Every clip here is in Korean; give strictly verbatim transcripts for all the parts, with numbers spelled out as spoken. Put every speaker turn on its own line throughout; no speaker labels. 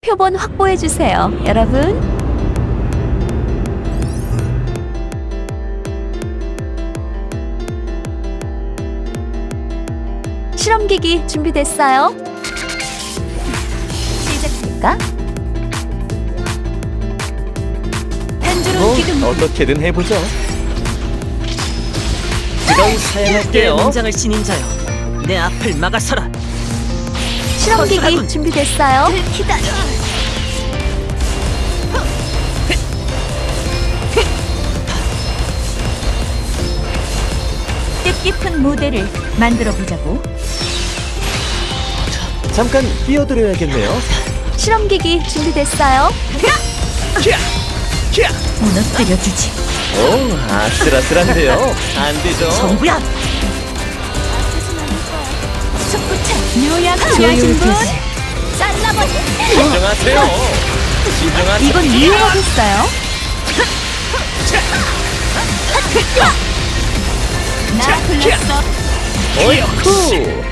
표본 확보해주세요, 여러분. 실험기기 준비됐어요? 시작할까? 한주름
뭐
기둥
어떻게든 해보죠. 그건 사양할게요.
문장을 지닌 자여, 내 앞을 막아서라.
실험기기
허술하군.
준비됐어요?
기다려.
뜻깊은 무대를 만들어 보자고.
잠깐 끼어들어야겠네요.
실험기기 준비됐어요? 무너뜨려주지.
오, 아슬아슬한데요. 안 되죠.
정부야.
축구차 요약 필요하신 분? 잘라버리.
진정하세요. 진정하세요.
이건 유행하겠어요? 나 불렀어.
어이쿠.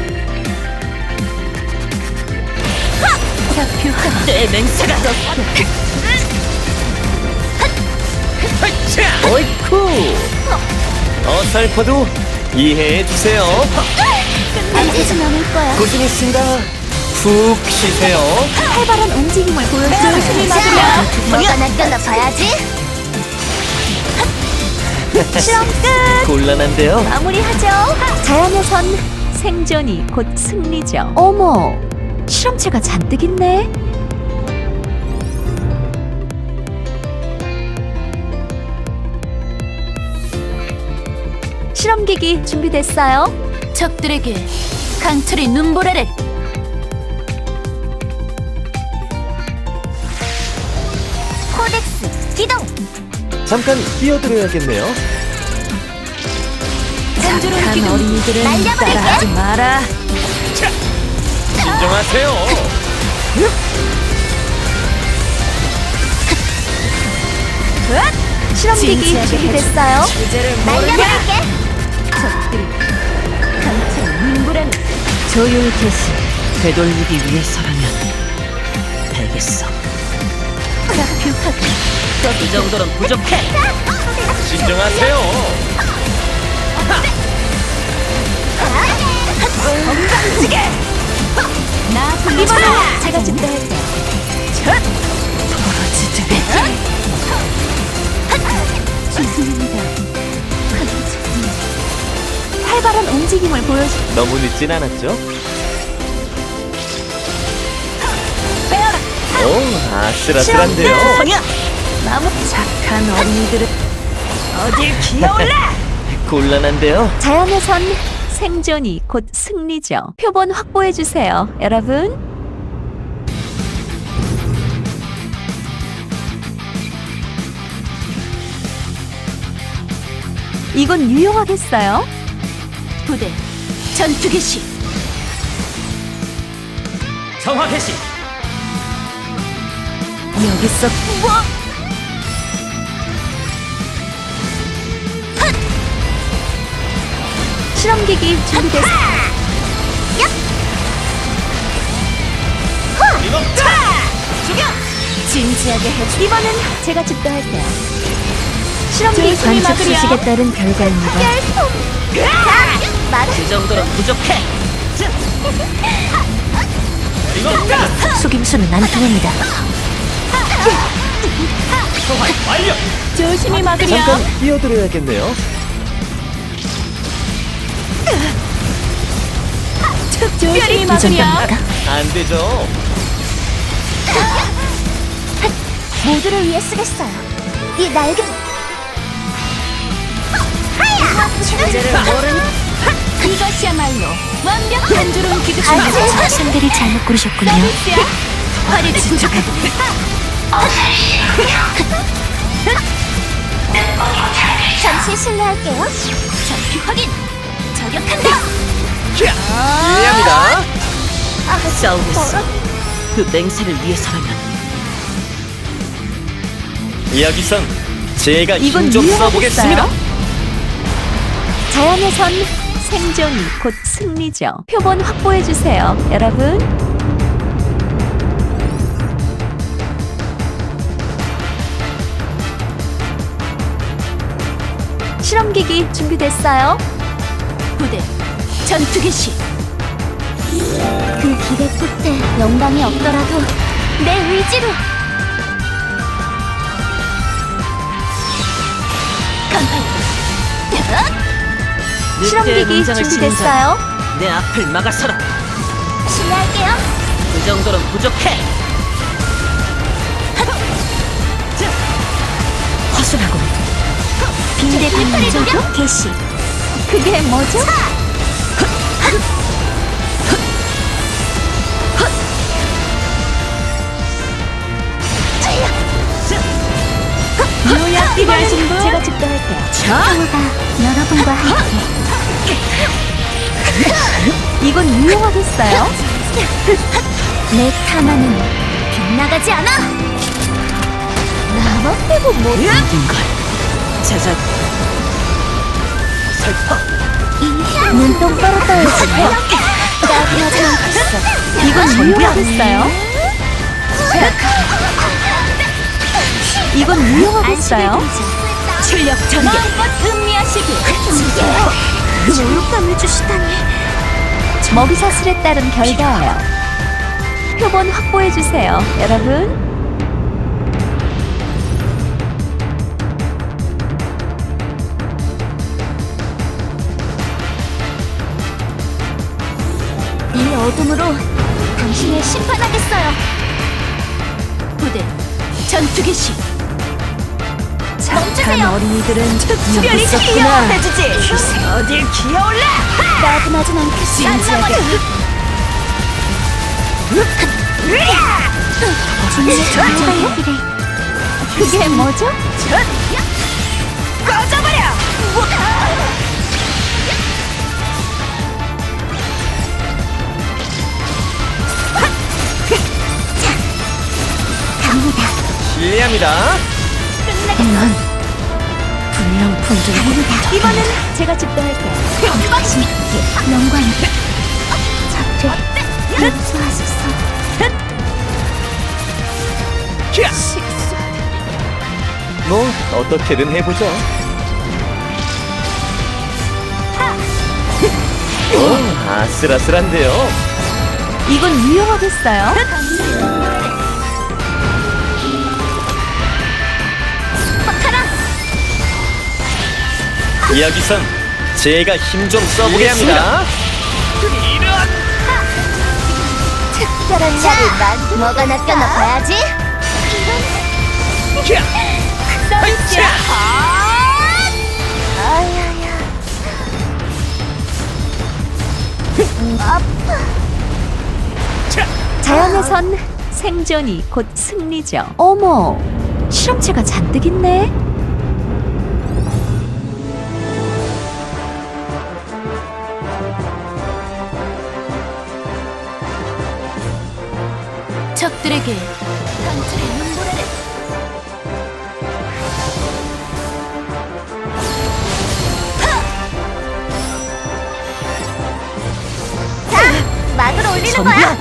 좌표한
내 맹세가
어이쿠. 어설퍼도 이해해 주세요.
끝내지 않을 거야.
고생했습니다. 푹 쉬세요.
활발한 움직임을 보여주세요. 열심히 맞으면
뭐가
낚여나 봐야지. 실험 끝.
곤란한데요.
마무리하죠. 자연에선 생존이 곧 승리죠. 어머, 실험체가 잔뜩 있네. 실험기기 준비됐어요? 적들에게 강철의 눈보라를. 코덱스 기동.
잠깐 끼어들어야겠네요.
착한 어린이들은 따라하지 마라.
진정하세요.
실험기기 준비됐어요? 날려버릴게. 적들이 강철의 눈보라를.
조율 개시 되돌리기 위해서라면 되겠어.
좌표하기.
이 정도는 부족해.
진정하세요.
건방지게. 나 이번엔 제가 준비할게요.
벌어지듯
죄송합니다. 활발한 움직임을 보여주.
너무 늦진 않았죠? 오, 아슬아슬한데요.
성이야.
나무
착한 어린이들은 어딜 기어올라.
곤란한데요.
자연에선 생존이 곧 승리죠. 표본 확보해 주세요, 여러분. 이건 유용하겠어요? 부대 전투 개시.
정화 개시.
여기서 뭐? 실험기기 준비됐어. 진지하게 해주. 이번엔 제가 집도할게요. 실험기기
관측 수식에 따른 결과입니다.
말
이 정도는 부족해.
속임수는 안 통합니다.
소환 완료.
조심히 막으렴.
잠깐 끼어들어야겠네요.
조심히
이
막으렴.
정도입니까?
안 되죠.
모두를 위해 쓰겠어요. 이 날개.
이제를 모르는
이것이야말로 완벽한 주름 기둥.
상대를 잘못 고르셨군요.
서비스야. 화를 진척하고. 잠시 실례할게요. 좌표 확인. 저격한다.
이해합니다.
싸우겠어. 그 맹세를 위해서라면
여기선 제가
이건
힘 좀
유용하겠어요?
써보겠습니다.
자연에선 생존이 곧 승리죠. 표본 확보해 주세요, 여러분. 실험기기 준비됐어요?
부대 전투 개시.
그 길의 끝에 영광이 없더라도 내 의지로
실험기기 준비됐어요?
내 앞을 막아서라.
실례할게요.
그 정도는 부족해.
허술하고 빈대 반전 개시.
그게 뭐죠? 요약 필요하신 분? 제가 집도할게요.
평화가 여러분과 함께.
이건 유용하겠어요?
내 탐하는 빗나가지 않아.
나만 빼고 뭐
모든 걸 찾아. 살펴.
눈 똑바로 떠야지. 따뜻하지 않겠어.
이건 유용하겠어요? 이건 유용하겠어요?
출력 전개.
음미하시길.
모욕감을 주시다니.
먹이사슬에 따른 결과예요. 표본 확보해주세요, 여러분.
이 어둠으로 당신을 심판하겠어요.
부대 전투 개시.
멈추세요.
어린이들은
특별히 기여해주지. 어딜 기어올라.
따분하진 않겠어. 진짜 길에
그게 뭐죠?
꺼져버려.
갑니다.
실례합니다.
넌 분명 품종 갑니다.
이번엔 제가 집도할게요.
당신의 영광이 잡되 용서하소서.
뭐 어떻게든 해보죠. 오, 아슬아슬한데요.
이건 유용하겠어요?
여기선 제가 힘 좀 써보게 합니다.
특별한 날을 만 뭐가 낚여나 봐야지.
자,
자연에선 생존이 곧 승리죠. 어머, 실험체가 잔뜩 있네.
적들에게
강철의 눈보라를 막으로 올리는 거야.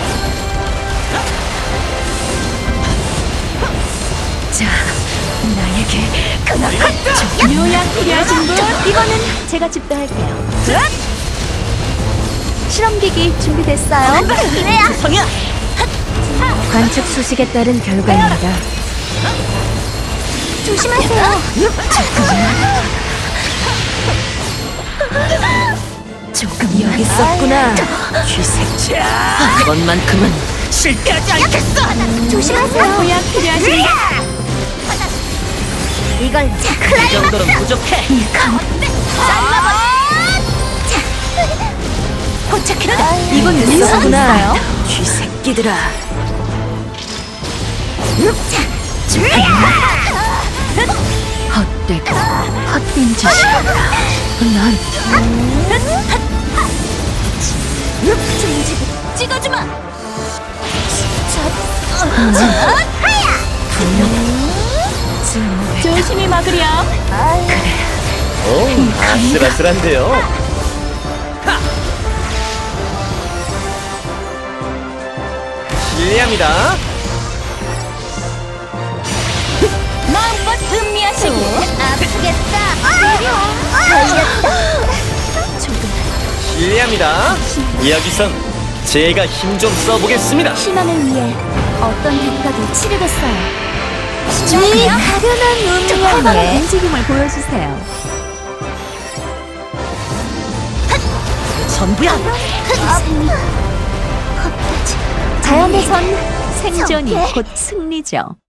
자, 나에게
요약 필요하신 분? 이거는 제가 집도할게요. 실험기기 준비됐어요?
기회야.
성이야.
관측 수식에 따른 결과입니다. 조심하세요.
조금 여기 있었구나. 쥐새끼야. 이번만큼은 실패하지 않겠어.
조심하세요.
요약 필요하신 분?
이걸
이 정도는 부족해.
포착했다.
이건 유용하겠어요?
쥐새끼들아. 헛되고 헛된 짓이야. 넌
찍어주마.
조심히 막으렴.
오, 아슬아슬한데요. 실례합니다.
마음껏 음미하시고.
알겠다. 걸렸다.
실례합니다. 여기선 제가 힘 좀 써보겠습니다.
희망을 위해 어떤 대가도 치르겠어요. 이 가련한
활발한 움직임을 보여주세요.
전부야.
자연에선 생존이
저게?
곧 승리죠.